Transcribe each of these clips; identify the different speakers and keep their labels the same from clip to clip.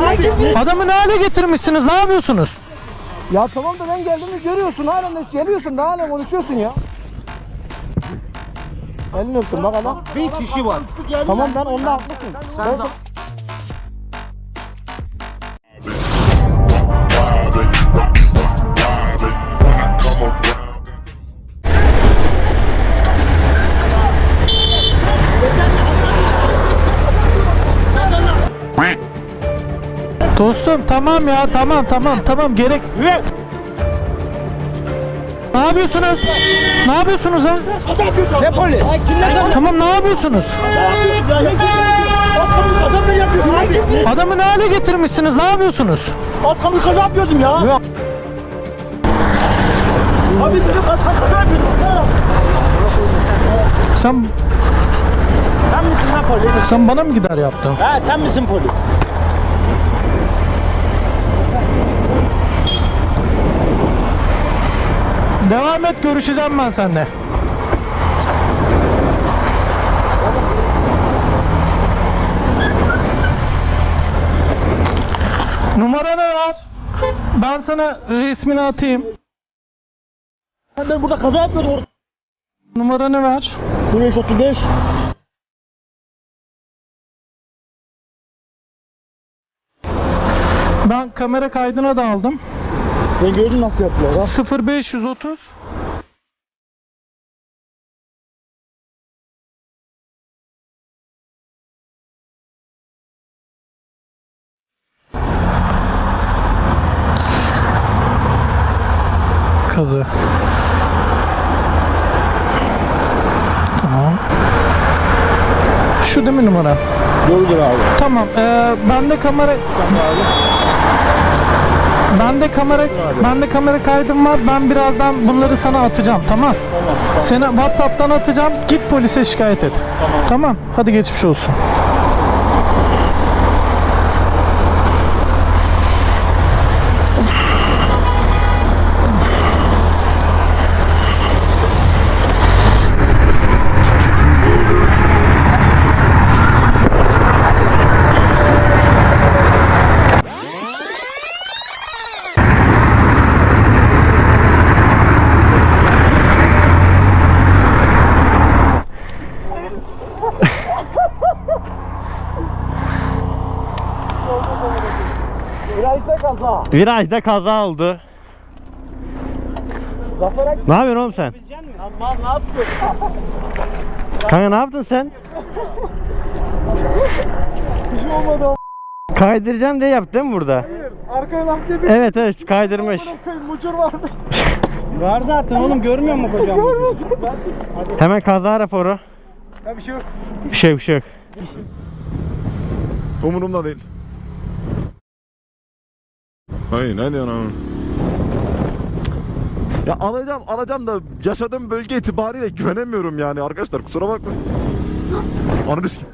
Speaker 1: Adamı ne hale getirmişsiniz? Ne yapıyorsunuz?
Speaker 2: Ya tamam da ben geldiğimi görüyorsun, halen de geliyorsun da halen konuşuyorsun ya. Elini öptüm bak adam.
Speaker 3: Bir kişi var.
Speaker 2: Tamam ben onunla haklısın.
Speaker 3: Sen de...
Speaker 1: Dostum tamam ya, tamam gerek. Ne yapıyorsunuz? Ne yapıyorsunuz ha?
Speaker 2: Ne polis?
Speaker 1: Tamam, ne yapıyorsunuz? Adamı ne hale getirmişsiniz? Ne yapıyorsunuz?
Speaker 2: Arkamı kaza yapıyordum ya. Abi seni kaza yapıyordum.
Speaker 1: Sen
Speaker 2: Misin lan polis?
Speaker 1: sen bana mı gider yaptın?
Speaker 2: He sen misin polis?
Speaker 1: Devam et, görüşeceğim ben seninle. Numaranı ver. Ben sana resmini atayım.
Speaker 2: Ben burada kaza yapıyordum orada.
Speaker 1: Numaranı ver.
Speaker 2: 535.
Speaker 1: Ben kamera kaydına da aldım.
Speaker 2: Ben gördüm nasıl yaptılar ha.
Speaker 1: 0530 Kazı. Tamam. Şu değil mi numara?
Speaker 2: Doğrudur abi.
Speaker 1: Tamam. Bende kamera Bende kamera kaydım var. Ben birazdan bunları sana atacağım. Tamam. Seni WhatsApp'tan atacağım. Git polise şikayet et. Tamam. Hadi geçmiş olsun.
Speaker 2: Virajda kaza.
Speaker 3: Virajda kaza oldu. Ne yapıyorsun oğlum sen?
Speaker 2: Aman ne yapıyorsun?
Speaker 3: Kanka ne yaptın sen?
Speaker 2: Bir şey olmadı.
Speaker 3: Kaydıracağım diye yaptın mı burada?
Speaker 2: Arkaya lastiğe bir
Speaker 3: Evet kaydırmış.
Speaker 2: mucur varmış.
Speaker 3: Var zaten oğlum, görmüyor musun kocam? Hemen kaza raporu.
Speaker 2: Ya bir şey yok.
Speaker 3: Bir şey yok.
Speaker 4: Umurumda değil. Hayır ne diyorsun abi? Ya alacağım da yaşadığım bölge itibariyle güvenemiyorum yani arkadaşlar, kusura bakmayın. Ananı s***.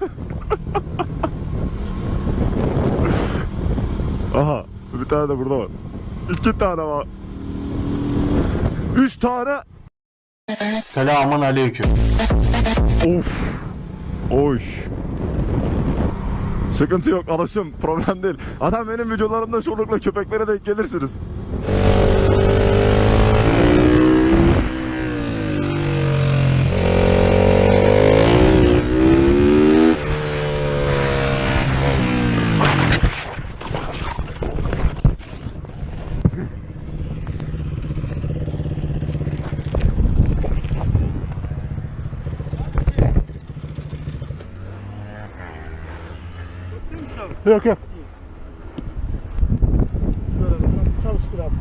Speaker 4: Aha bir tane de burada var. 2 tane var. 3 tane.
Speaker 5: Selamun aleyküm.
Speaker 4: Of. Oy. Sıkıntı yok, alışım, problem değil. Adam benim videolarımda çoğunlukla köpeklere denk gelirsiniz.
Speaker 2: Yok yok. Şöyle çalıştır abi.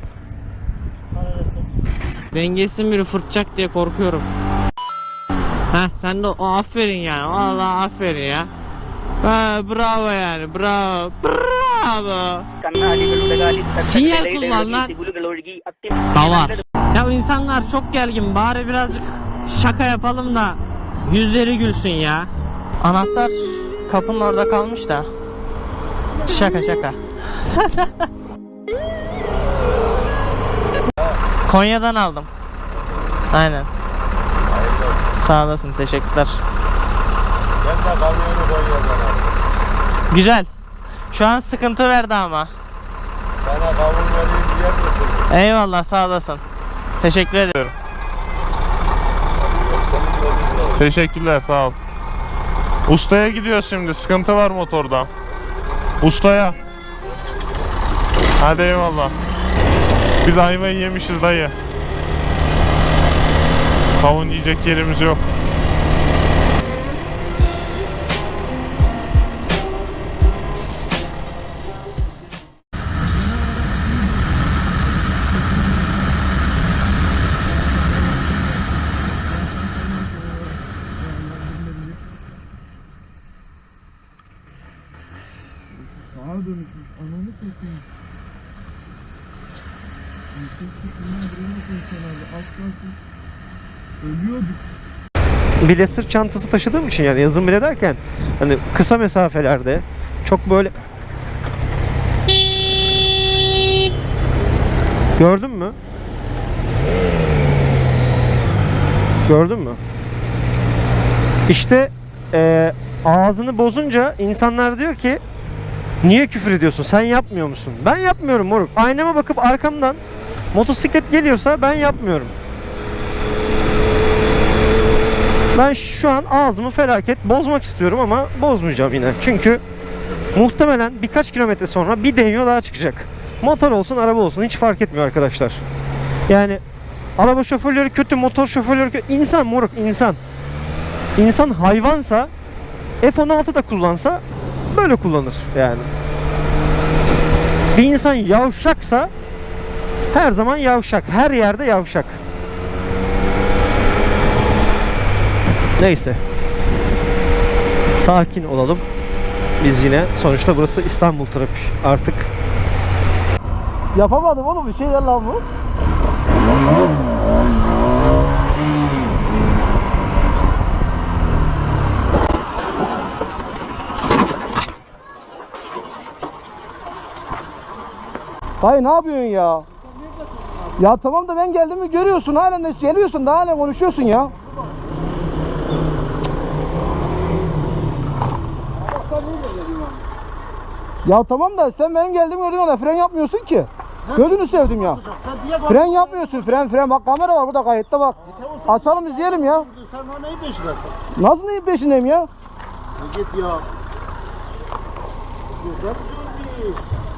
Speaker 6: Dengesin biri fırtacak diye korkuyorum. Heh sen de o aferin yani. Allah aferin ya. Ha, bravo yani. Bravo. Bravo. Sinyal kullan lan. Da var. Ya insanlar çok gergin. Bari birazcık şaka yapalım da yüzleri gülsün ya. Anahtar kapının orada kalmış da. Şaka. Konya'dan aldım. Aynen. Sağ olasın, teşekkürler.
Speaker 5: Ben de kamyonu Konya'dan aldım.
Speaker 6: Güzel. Şu an sıkıntı verdi ama.
Speaker 7: Sana kavun vereyim yer misin?
Speaker 6: Eyvallah, sağ olasın. Teşekkür ederim.
Speaker 8: Teşekkürler, sağ ol. Ustaya gidiyoruz şimdi. Sıkıntı var motorda. Ustaya. Hadi eyvallah. Biz ayvayı yemişiz dayı. Kavun yiyecek yerimiz yok.
Speaker 3: Bile sırt çantası taşıdığım için, yani yazın bile derken hani kısa mesafelerde çok böyle gördün mü? Gördün mü? İşte ağzını bozunca insanlar diyor ki niye küfür ediyorsun? Sen yapmıyor musun? Ben yapmıyorum moruk. Aynama bakıp arkamdan motosiklet geliyorsa ben yapmıyorum. Ben şu an ağzımı felaket bozmak istiyorum ama bozmayacağım yine. Çünkü muhtemelen birkaç kilometre sonra bir denyo daha çıkacak. Motor olsun, araba olsun hiç fark etmiyor arkadaşlar. Yani araba şoförleri kötü, motor şoförleri kötü. İnsan moruk, insan. İnsan hayvansa F-16 da kullansa böyle kullanır yani. Bir insan yavşaksa her zaman yavşak. Her yerde yavşak. Neyse. Sakin olalım. Biz yine sonuçta burası İstanbul trafiği artık.
Speaker 2: Yapamadım oğlum, bir şeyler lan bu. Dayı ne yapıyorsun ya? Ya tamam da ben geldiğimi görüyorsun, halen de geliyorsun da halen konuşuyorsun ya. Ya tamam da sen benim geldiğimi gördüğün anda fren yapmıyorsun ki. Gözünü sevdim ya. Fren yapmıyorsun, fren. Bak kamera var burada, kayıtta bak. Açalım izleyelim ya.
Speaker 7: Sen bana neyin peşindesin?
Speaker 2: Nasıl neyin peşindeyim ya?
Speaker 7: Git ya. Güzel bir.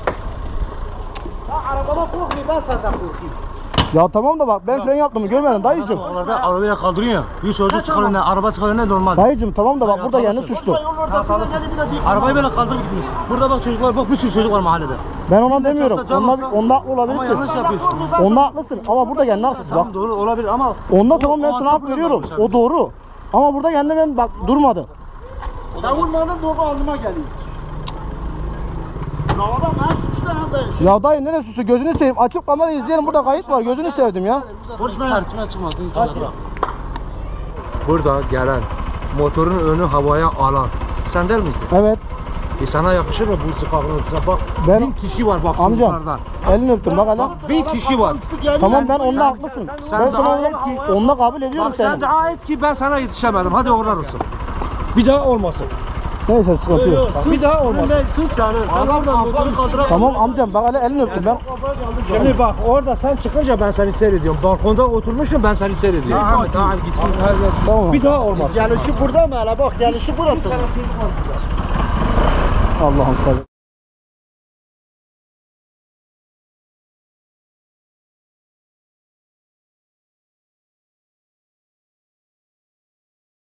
Speaker 7: Ya arabada korkmuyor, ben senden korkayım.
Speaker 2: Ya tamam da bak ben fren yaptığımı görmedim dayıcım.
Speaker 7: Oralarda arabayla kaldırıyor ya. Bir çocuk çıkar önüne, araba çıkar önüne normal.
Speaker 2: Dayıcım tamam da bak burada kendi suçlu.
Speaker 7: Arabayı böyle kaldırıp gitmiş. Burada bak çocuklar, bak bir sürü çocuk var mahallede.
Speaker 2: Ben ona demiyorum.
Speaker 7: çarpsa can
Speaker 2: Onda haklı
Speaker 7: Ama
Speaker 2: olabilirsin.
Speaker 7: yanlış yapıyorsun.
Speaker 2: Onda haklısın ama burada kendi haksız bak.
Speaker 7: Tamam doğru olabilir ama
Speaker 2: Onda tamam ben
Speaker 7: o
Speaker 2: sana hak
Speaker 7: adam
Speaker 2: veriyorum.
Speaker 7: yapmış abi.
Speaker 2: O doğru. Ama burada kendi ben bak durmadı.
Speaker 7: sen vurmadın doğru alnıma geliyor. Havada ben suçlu hem de.
Speaker 2: Ya dayı neresi suçlu? Gözünü seveyim. Açıp kamerayı izleyelim. Burada kayıt var. Gözünü sevdim ya.
Speaker 7: Konuşmayın. Tartışma çıkmasın. Burada gelen motorun önü havaya alan. Sen değil misin?
Speaker 2: Evet.
Speaker 7: Sana yakışır mı bu sıfakın ortasına? Bak
Speaker 2: Ben-
Speaker 7: 1000 kişi var bak
Speaker 2: Amcam.
Speaker 7: çocuklardan.
Speaker 2: Elini öptüm bak hele.
Speaker 7: 1000 kişi var.
Speaker 2: Tamam ben onunla haklısın.
Speaker 7: sen
Speaker 2: Ben sana
Speaker 7: daha
Speaker 2: onunla,
Speaker 7: et ki-
Speaker 2: onunla kabul ediyorum
Speaker 7: Bak sen
Speaker 2: seni.
Speaker 7: dua et ki ben sana yetişemedim. Hadi uğurlar olsun. Bir daha olmasın.
Speaker 2: Neyse sıkıntı yok.
Speaker 7: Bir daha olmasın. Adam da motoru kaldıramıyor.
Speaker 2: Tamam amcam bak hele elini öptüm ben.
Speaker 7: Şimdi bak orada sen çıkınca ben seni seyrediyorum. Balkonda oturmuşum ben seni seyrediyorum. Tamam gitsin.
Speaker 2: Tamam.
Speaker 7: Bir daha olmaz.
Speaker 2: Gelişi burada mı hele bak gelişi burası. Allah'ım sen.